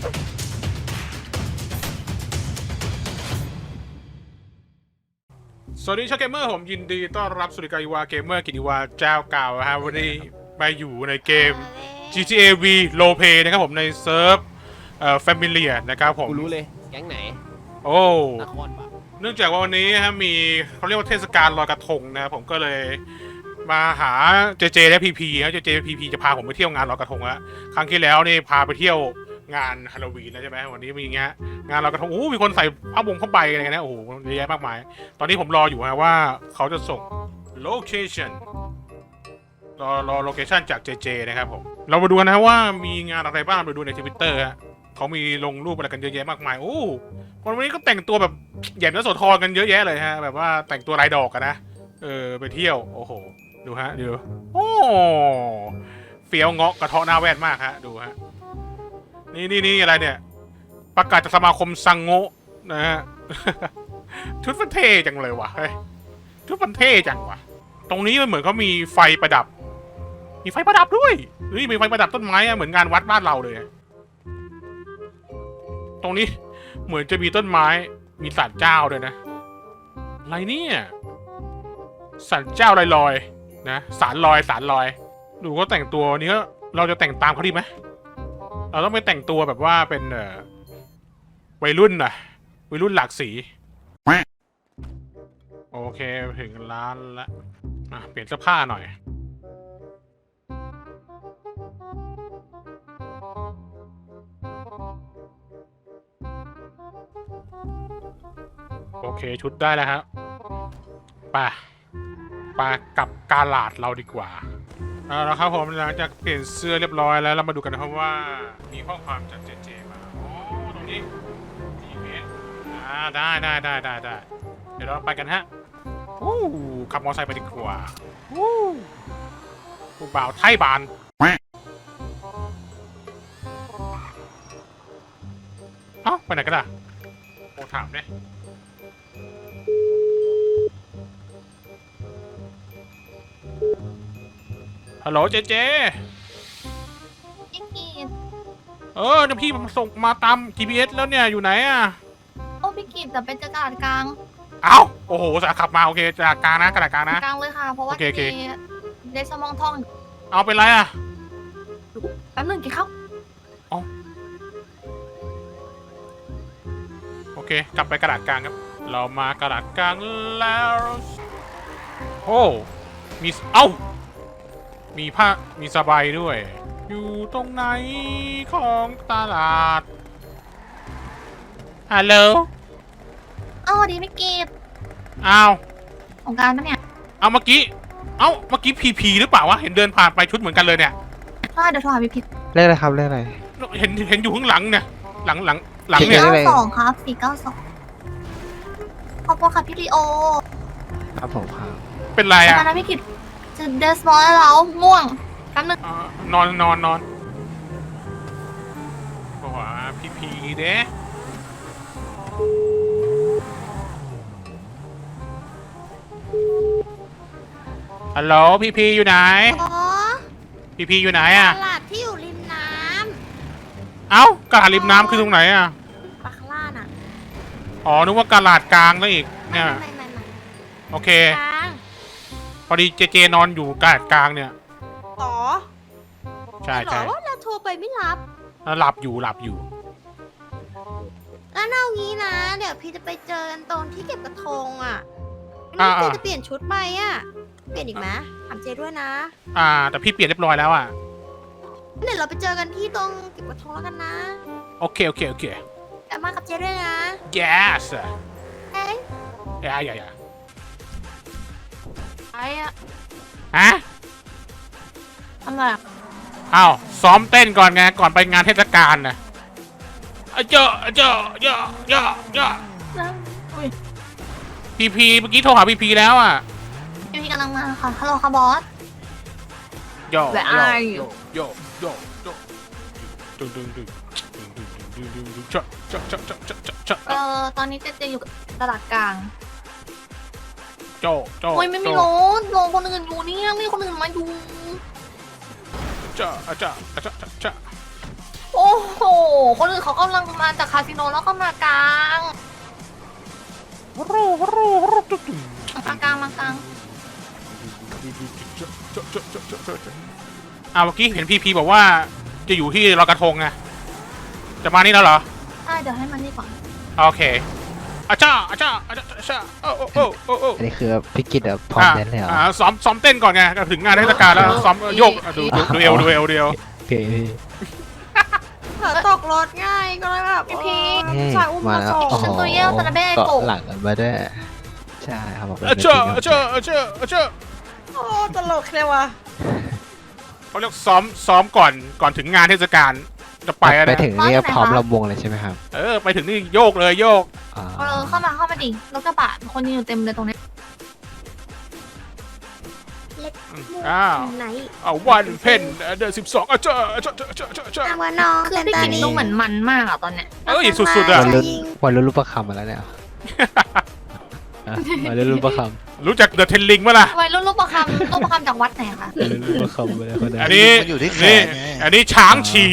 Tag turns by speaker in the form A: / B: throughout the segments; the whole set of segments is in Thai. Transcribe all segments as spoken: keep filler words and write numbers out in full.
A: สวัสดีชาวเกมเมอร์ผมยินดีต้อนรับสู่รายการอีวาเกมเมอร์กิติวาเจ้าเก่าฮะวันนี้มาอยู่ในเกม จี ที เอ V Roleplay นะครับผมในเซิร์ฟเอ่อ Familiar นะครับผม
B: กูรู้เลยแก๊งไหน
A: โอ้
B: นครปะ
A: เนื่องจากว่าวันนี้ฮะมีเขาเรียกว่าเทศกาลลอยกระทงนะครับผมก็เลยมาหาเจเจและพีพีฮะเจเจพีพีจะพาผมไปเที่ยวงานลอยกระทงแล้วครั้งที่แล้วนี่พาไปเที่ยวงานฮาโลวีนแล้วใช่ไหมวันนี้มีอย่างเงี้ยงานลอยกระทงโอ้มีคนใส่ผ้าบงผ้าใบอะไรกันนะโอ้โหเยอะแยะมากมายตอนนี้ผมรออยู่ฮะว่าเขาจะส่ง location รอรอ location จากเจเจนะครับผมเรามาดูกันนะว่ามีงานอะไรบ้างไปดูในทวิตเตอร์ฮะเขามีลงรูปอะไรกันเยอะแยะมากมายโอ้วันนี้ก็แต่งตัวแบบแย่มโสธรกันเยอะแยะเลยฮะแบบว่าแต่งตัวลายดอกกันนะเออไปเที่ยวโอ้โหดูฮะดูโอ้เฟี้ยวเงาะกระเทาะหน้าแว่นมากฮะดูฮะนี่นี่นี่อะไรเนี่ยประกาศจากสมาคมซังโงะนะฮะ ชุดมันเท่จังเลยวะเฮ้ยชุดมันเท่จังวะตรงนี้มันเหมือนเขามีไฟประดับมีไฟประดับด้วยเฮ้ยมีไฟประดับต้นไม้อะเหมือนงานวัดบ้านเราเลยตรงนี้เหมือนจะมีต้นไม้มีศาลเจ้าด้วยนะอะไรเนี่ยศาลเจ้าลอยลอยนะศาลลอยศาลลอยดูก็แต่งตัวนี้ก็เราจะแต่งตามเขาดีไหมเราต้องไปแต่งตัวแบบว่าเป็นเอ่อวัยรุ่นน่ะวัยรุ่นหลากสีโอเคถึงร้านละอ่ะเปลี่ยนเสื้อผ้าหน่อยโอเคชุดได้แล้วครับไปไปกับกาลาดเราดีกว่าเอาละครับผมหลังจากเปลี่ยนเสื้อเรียบร้อยแล้วเรามาดูกันนะครับว่ามีข้อความจากเจเจมาโอ้ตรงนี้จีเมสอ่าได้ได้ได้ได้ได้เดี๋ยวเราไปกันฮะวู้ขับมอเตอร์ไซค์ไปดีกว่าวู้ผู้บ่าวไทยบานเอ้าไปไหนกันล่ะโอ้ถามเนี่ยฮัลโหลเจเจ
C: พี่กีด
A: เออเนี่ยพี่มันส่งมาตาม จี พี เอส แล้วเนี่ยอยู่ไหนอ่ะ
C: โอ้พี่กีดแต่เป็นจักรกลาง
A: เอ้าโอ้โหสาขับมาโอเคจากกลางนะกระดาษกลางนะ
C: กลางเลยค่ะเพราะว่ามีเดซมองทอง
A: เอาเป็นไรอ่ะ
C: แป๊บนึงกี่เข้า
A: อ๋อโอเคกลับไปกระดาษกลางครับเรามากระดาษกลางแล้วโอ้มีเอ้ามีผ้ามีสบายด้วยอยู่ตรงไหนของตลาดฮัลโหล
C: อ้าวดีไม่กีด
A: อ้าว
C: ของการปะเนี่ย
A: เอาเมื่อกี้เอ้าเมื่อกี้พีพีหรือเปล่าวะเห็นเดินผ่านไปชุดเหมือนกันเลยเนี่ย
C: ใช่เดี๋ยวโทรหาพี่พิษ
D: เรียกอะไรครับเรียกอะไร
A: เห็นเห็นอยู่ข้างหลังเนี่ยหลังหลังหลัง
C: เนี่ย
A: สี่
C: เก้าสองครับสี่เก้าสองขอบคุณค่ะพี่ลีโอ
D: ครับผมครับ
A: เป็นไรอ่ะ
C: นะพี่กิตจะเดสมอลแล้วง่วงแป๊บนึง
A: นอนนอนนอนบอกว่าพีพีเด้ฮัลโหลพีพีอยู่ไหนพีพีอยู่ไหนอ่ะ
C: ตลาดที่อยู่ริมน้
A: ำเอ้ากระดาษริมน้ำคือตรงไหนอ่ะ
C: ปากล่าน่ะ
A: อ๋อนึกว่ากระดาษกลางแล้วอีกเนี่ยโอเคพอดีเจเจนอนอยู่กระดาษกลางเนี่ย
C: อ๋อ
A: ใช่ใช่
C: ว่าเราโทรไปไม่รับ
A: หลับอยู่หลับอยู่
C: งั้นเอางี้นะเดี๋ยวพี่จะไปเจอกันตรงที่เก็บกระทงอ่ะพี่เจจะเปลี่ยนชุดไหมอ่ะเปลี่ยนอีกไหมถามเจด้วยนะ
A: อ่าแต่พี่เปลี่ยนเรียบร้อยแล้วอ่ะ
C: เดี๋ยวเราไปเจอกันที่ตรงเก็บกระทงแล้วกันนะ
A: โอเคโอเคโอเค
C: กลับมากับเจด้วยนะ
A: yes
C: เฮ้ย
A: อย่าอย่าอย่า
C: ไอ้อะ
A: ฮะ
C: อะไร
A: อ้าวซ้อมเต้นก่อนไงก่อนไปงานเทศกาลนะเจาะเจาะเจาะเจาะเจาะพีพีเมื่อกี้โทรหาพีพีแล้วอ่ะ
C: พีพีกำลังมาค่ะฮัลโหลค่ะบอส
A: โยโยโยโยโยดึงดึงดึงดึงดึงดึงดึงดึงเจาะเจาะเจาะเจาะเจาะเจาะ
C: เอ่อตอนนี้เจเจอยู่ตลาดกลาง
A: โจโจ
C: โอ้ยไม่มีรถรอคนอื่นอยู่เนี่ยไม่มีคนอื่นมาอยู่
A: เจาะเจาะเจาะเจาะ
C: โอ้โห
B: คนอื่นเขากำลังมาจากคาสิโนแล้วก็มากลางมากลางมากลาง
A: อ้าวเมื่อกี้เห็นพีพีบอกว่าจะอยู่ที่ลอยกระทงไงจะมานี่แล้วเหรอ
B: ใช่เดี๋ยวให้มันนี่ก่อน
A: โอเคอาจ้าอาจ้าอาจ้าอาจ้าโอ้โอ้โอ้โอ้โอ้
D: อันนี้คือพี่กิตแบบพร้อมเต้นเลยเหรอ
A: อ่าซ้อมซ้อมเต้นก่อนไงก็ถึงงานเทศกาลแล้วซ้อมโยกดูดูดูเอวดูเอวดูเอว
D: โอเคพี่
C: เผลอตกรถง่ายก็เลยแบบ
B: พี่พี
C: ผู้ชายอุ้ม
D: มา
C: มา
D: แล้ว
C: ส่ง
D: โอ้โห
B: ฉันตัวเยี่ยวตะเบ้
D: เกาะ
B: โกะ
D: หลังกันมาด้วยใช่ครับผม
A: อาจ้าอาจ้าอาจ้าอาจ้า
C: โอ้ตลกเลยว่ะ
A: เขาเรียกซ้อมซ้อมก่อนก่อนถึงงานเทศกาลจะไปแล้ว
D: ไป
A: นะ
D: ถึงนี่ก็พร้อมลำวงเลยใช่ไหมครับ
A: เออไปถึงนี่โยกเลยโยก
D: อ่า
B: เออเข้ามาเข้ามาดิรถกระบะคนยืนอยู่เต็มเลยตรงนี้
A: อ้าว
C: ไหน
A: เอาวันเพ่นเดือนสิบสองอาจ้าอาจ้าอาจ้าอาจ้าอาจ้า
C: อาว่าน้อง
B: คือพี่กินดูเหมือนมันมากอะตอนเนี้ย
A: เอ้ยสุดๆอ่ะ
D: วันรุ่นวันรุ่นรูปประคำมาแล้วเนี่ยอ่ะวันรุ่นรูปประคำ
A: รู้จักเดอะเทนลิงไหมล่ะ
B: วัยรุ่นรูปประคำรูปประคำจากวัดไหนคะ
D: วันรุ่นรูปประคำมาแล้วคนนั้น
A: อันนี้
E: มันอยู่ที่แข
A: นี่
E: นไง
A: อันนี้ช้างฉี่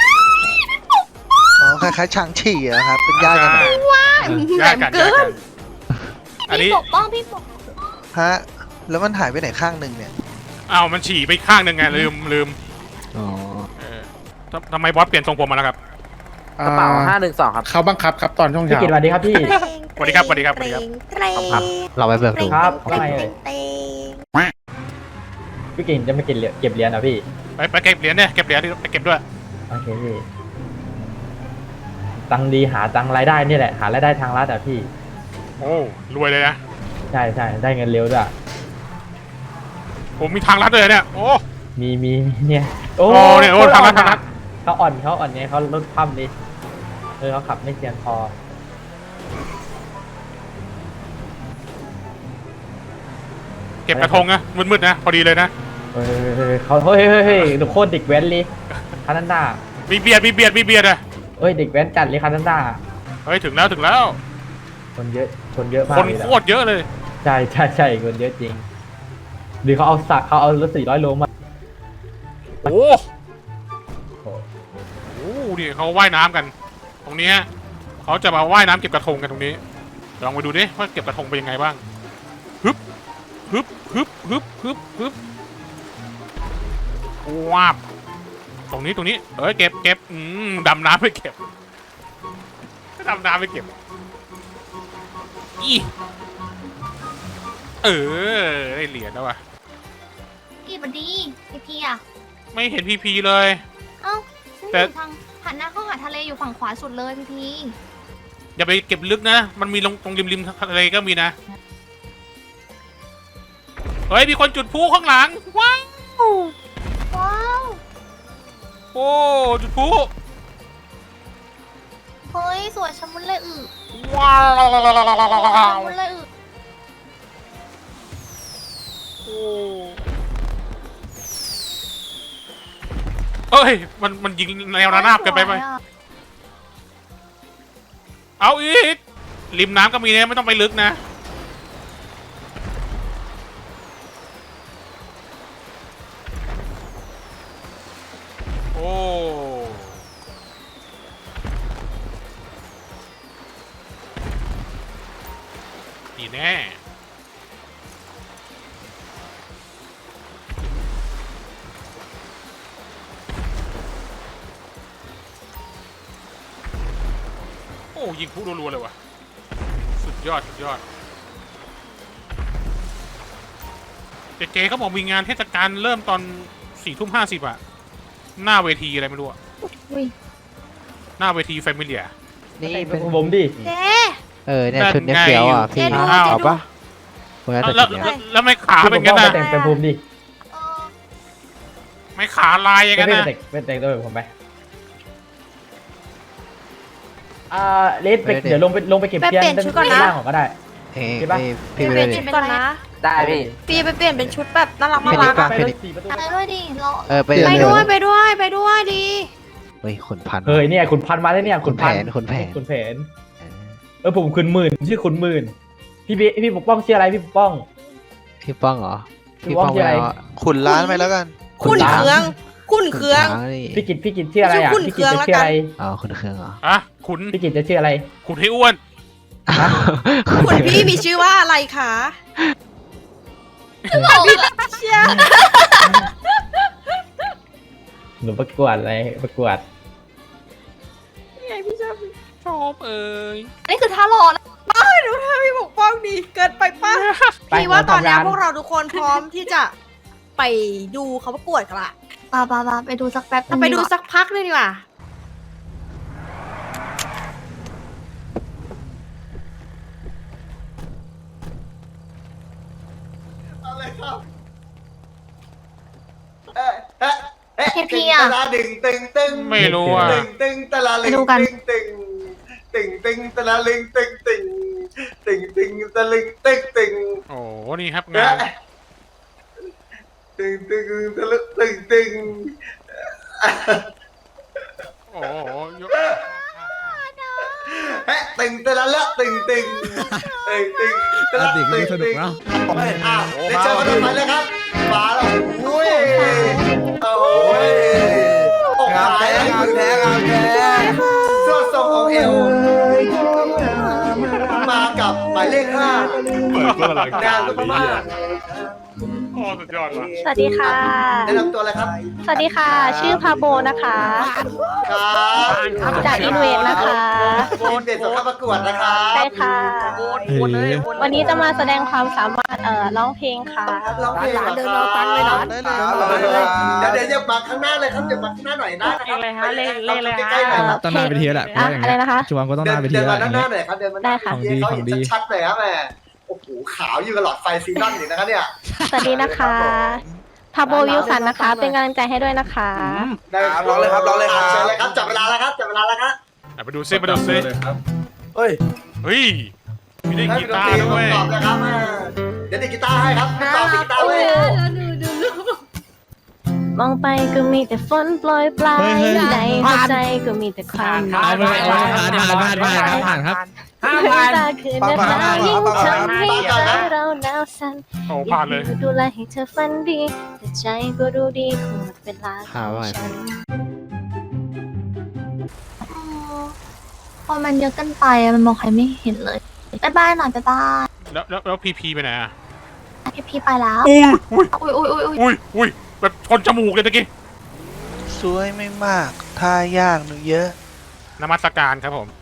E: อ๋อคล้ายๆช้างฉี่อะครับ เป็นญาติกันเหรอ
A: แยกกันแยกกันอันนี้
B: พี่ปกป้องพี่ปก
E: ฮะ แล้วมันหายไปไหนข้างหนึ่งเนี่ย
A: อ้าวมันฉี่ไปข้างหนึ่งไงลืมลืม
D: อ๋อ
A: เออทำทำไมบอสเปลี่ยนทรงผมมาแล้วครับ
F: กระเป๋าห้าหนึ่งสองครับ
G: เขาบังคับครับตอนช่วง
H: พี่
G: เช้า
H: กิตสวัสดีครับพี่
A: สวัสดีครับสวัสดีครับสวัสดีครับ
C: เตรง
D: ครับเราไปเบิกดู
H: ครับ
C: เตรงเตรงเตรง
H: พี่กิตจะไม่เก็บเหรียญเก็บเหรียญนะพี่
A: ไปไปเก็บเหรียญเนี่ยเก็บเหรียญไปเก็บด้วย
H: โอเคพี่ตังค์ดีหาตังค์รายได้นี่แหละ หารายได้ทางรัฐอะพี่
A: โอ้รวยเลยนะ
H: ใช่ใช่ได้เงินเร็วด้วย
A: ผมมีทางลัดเลยเนี่ยโอ้
H: มีมีเนี่ย
A: โอ้เนี่ยโอ้ทางรัฐทางรัฐ
H: เขาอ่อนเขาอ่อนเนี่ยเขาลดความดิเออเขาขับไม่เทียนพอ
A: เก็บกระทงนะมืดๆนะพอดีเลยนะ
H: เออเขาเฮ้ยเฮ้ยเฮ้ยดูโคตรเด็กแว้นเลยคานันดา
A: มีเบียดมีเบียดมีเบียดอะ
H: เอ้ยเด็กแว้นจัดเลยคานันดา
A: เฮ้ยถึงแล้วถึงแล้ว
H: คนเยอะคนเยอะมาก
A: คน
H: เลย
A: โค
H: นะ
A: ตรเยอะเลย
H: ใช่ใช่ใช่คนเยอะจริงหรือเขาเอาสักเขาเอารถสี่ร้อยโลมา
A: โอ้โหนี่เขาว่ายน้ำกัน ตรงนี้ฮะเขาจะมาว่ายน้ำเก็บกระทงกันตรงนี้ลองไปดูดิว่าเก็บกระทงเป็นยังไงบ้างฮึบฮึบฮึบฮึบฮึบฮึบว้าบตรงนี้ตรงนี้เอ้ยเก็บเก็บอืมดำน้ำไปเก็บดำน้ำไปเก็บอีเออได้เหรียญแล้วว่ะ
B: พี่บันดีพี่พี่อะ
A: ไม่เห็นพีพีเลย
B: เอ้าฉัน
A: แต่
B: อยู่ทางหันหน้าเข้าหาทะเลอยู่ฝั่งขวาสุดเลยพี่พี
A: อย่าไปเก็บลึกนะ มันมีลงตรงริมริมทะเลก็มีนะ เฮ้ย มีคนจุดพลุข้างหลัง ว้าว
B: ว้าว
A: โอ้จุดพลุ
B: เฮ้ยสวยชะมุนเลยอึ
A: ว้าว
B: ชะมุนเลยอึ
A: โอ้เอ้ย มันมันยิงแนวระนาบกันไปไหม
B: สวยอะ
A: เอาอีก ริมน้ำก็มีนะไม่ต้องไปลึกนะ โอ้ดีแน่ โอ้ยิงผู้รัวๆเลยว่ะ สุดยอด สุดยอด เจเจเขาบอกมีงานเทศกาลเริ่มตอนสี่ทุ่มห้าสิบอะหน้าเวทีอะไรไม่รู้อะ
B: อุ้ย
A: หน้าเวทีแฟมิเลีย
D: นี่
H: เป็
D: เป็น น
H: ผมดิ
C: เจ๊
D: เออเนี่ยชุดเนี้ยเฟี้ยวอ่ะพี่
C: เจ๊ดู
A: อ้าว
C: เจ๊
D: เอา
C: ดู
D: ปะคนนั้น
A: แล้ว
D: แต่
A: แล้ว
D: ชุดเนี้ย
A: แล้วแล้วไม่ขา
H: พี่
A: เป็น
H: ป
A: งั้
H: ก
A: น
H: ป้อง
A: นะ
H: ไปแต่งเป็นภูมิดิ
B: เออ
A: ไม่ขาลายอย่าง
H: ไม่
A: นั้น
H: เป็น
A: นะ
H: แต่งเป็นแต่งตัวแบบผมไปอ่าเลสไปเดี๋ยวลงไปลงไปเก็บเทียนด้านล่างของก็ได้
D: เอ้ย
H: ใช่ปะ
D: เอ้ย
C: เป
D: พี่
C: ลี่ยน
D: ไป
C: เป็น
D: เลย
C: ชุดก่อนนะ
F: ได้พี่
C: พี่ไปเปลี่ยนเป็นชุดแบบน่ารัก
D: ไม่
C: น่า
D: ได้
C: รัก
D: ปะ
C: อะ
H: ไปรถสี่ประตู
B: ไปด้วยดิเรา
D: เออไป
C: ไป
D: เร็ว
C: ด้วยไปด้วยไปด้วยดี
D: เฮ้ยขุนพันธุ์
H: เฮ้ยเนี่ยขุนพันมาแล้วเนี่ย
D: ขุนแผ
H: พั
D: นขุนแผน
H: ขุนแผน
D: เออ
H: เออผมขุนหมื่นชื่อขุนหมื่นพี่พี่พี่ปกป้องชื่ออะไรพี่ปกป้อง
D: พี่ป้องเหรอ
H: พี่ป้องชื่ออะไร
D: ม่เา
E: ขุนร้านไปแล้วกัน
C: คุณเครื่อง
H: ข
C: คุณเครื่อง
D: ช้างนี่
H: พี่กิตพี่กิตชื่ออะไรอ่ะ
C: ชื่อคุณ
H: พี่กิตจะ
C: เครื่อง
H: ชื่ออะไร
D: อ๋อคุณเครื่องเหรอ
A: อ่ะขุน
H: พี่กิตจะชื่ออะไร
A: ขุนให้อ้วน
C: คุณพี่มีชื่อว่าอะไรคะ
B: เราอะ
C: เชี่ย
H: หนูประกวดอะไรประกวด
C: ไงพี่ชอบ
A: ชอบเอ้ย
B: นี่คือท่ารอนะ
C: ดูท่าพี่ปกป้องดีเกินไปป้า
H: ไป
C: พี่ว่าตอนนี้
H: เราทำงาน
C: พวกเราทุกคนพร้อมที่จะไปดูเขาประกวดกันละ
B: ปาปาปาไปดูสักแป๊บนึง
C: ไปดู
B: กว่า
C: สักพักเลยดีกว่า
G: อะไรครับเอ๊ะเอ๊ะเอ๊ะ
B: เคพีอ่ะ
G: ตะลาดึงตึงตึง
A: ไม่รู้อ่ะ
G: ตึงตึงตะลาลึง
B: ไปดูกัน
G: ตึงตึงตึงตึงตะลาลึงตึงตึงตึงตึงตะลึงตึงตึง
A: โอ้โหนี่ครับ
G: เอ๊ะ
A: งาน
G: ตึงตึงตะลึงตึงตึง
A: โอ้โหยก
G: เอ๊ะตึงตะละละตึงตึงตึงตึงตะละตึงตึงอ้าวได้เจอกันมาเลยครับมาแล้วโอ้ยโอ้ยอกหายงามแท้งามแท้ส่วนทรงของเอวมากับหมายเลขห้า
A: เปิดเพื่ออะไร
G: งานก็ประมาณ
A: โอ้สุดยอดว่ะ
I: สวัสดีค่ะ
G: แนะนำตัวเลยครับ
I: สวัสดีค่ะ ชื่อพาโบนะคะ
G: ครับ
I: จากอินเวสนะคะ
G: ทีมเด็ดสำคัญประกวดนะครับ
I: ใช่ค่ะ
D: เฮ้ย
I: วันนี้จะมาแสดงความสามารถเอ่อร้องเพลงค่ะ
G: ร้องเพลงเดินเราตังเลยนะเดี๋ยวเดี๋ยวอย่ามาข้างหน้าเลยครับอย่ามาข้างหน้าหน่อยนะ
I: เพลงอะไรคะเล่นเล่นเลยคะ
G: ใกล้ๆหน่อยครับ
D: ต้องหน้าเวทีแล้วแหละเพราะว่าอย่าง
I: อะไร
D: เงี้ย
I: นะคะ
D: ชวนก็ต้องห
G: เดิ
D: น้าน เวที
G: เดิน
D: แล้ว
G: มา
D: อ
G: ด้า
D: ย่าน ง
G: หน้า
D: เงี้ย
G: หน่อยครับเดินมา
I: ได้ค่ะ
G: เดี๋ยวเขาเห็นชัดๆเลยครับแม่โอ้โหขาวอยู่กับหลอดไฟซีนอนอยู่นะครับเนี่ย
I: สวัสดีนะคะพาโบวิวสันนะคะ เป็นกำลังใจให้ด้วยนะคะ
G: ได้ครับร้องเลยครับร้องเลยครับเชิญเลยครับจับเวลาแล้วครับจับเวลาแล้วครับ
A: อ่ะไปดูซิไปดูซิ
G: เฮ้ย
A: เฮ้ยมีได้กีตาร์ด้วย
G: ตอบเลยครับเดี๋ยวดีดกีตาร์ให้ครับตอบกีตาร์เลย
I: มองไปก็มีแต่ฝนโปรยปลายในหัวใจก็มีแต่ความหนาว
D: ผ่านผ่านผ่านผ่านผ่านครับผ่านครับ
I: ห้ามผ่านตาคืนนะคะยิ่งทำให้ใจเราหนาวสั่น
A: โอ้ผ่านเลย
I: ดูแลให้เธอฝันดีแต่ใจก็รู้ดีคงหมดเวลาข
D: ผ่า
I: อน ง
D: ว่า
I: ฉัน
B: อืมพอมันเยอะเกันไปอะมันมองใครไม่เห็นเลยบายบายหน่อยบายบาย
A: แล้วแล้วแล้วพีพีไปไหนอ่ะ
B: พี่พี่ไปแล้ว
A: อุ้ยอุ้ย
B: อุ้ยอุ้ยอุ้ยอุ้ย
A: อุ้ยอุ้ยแบบชนจมูกเลยตะกี้
E: สวยไม่มากท่ายากหนูเยอะ
A: นมัสการครับผม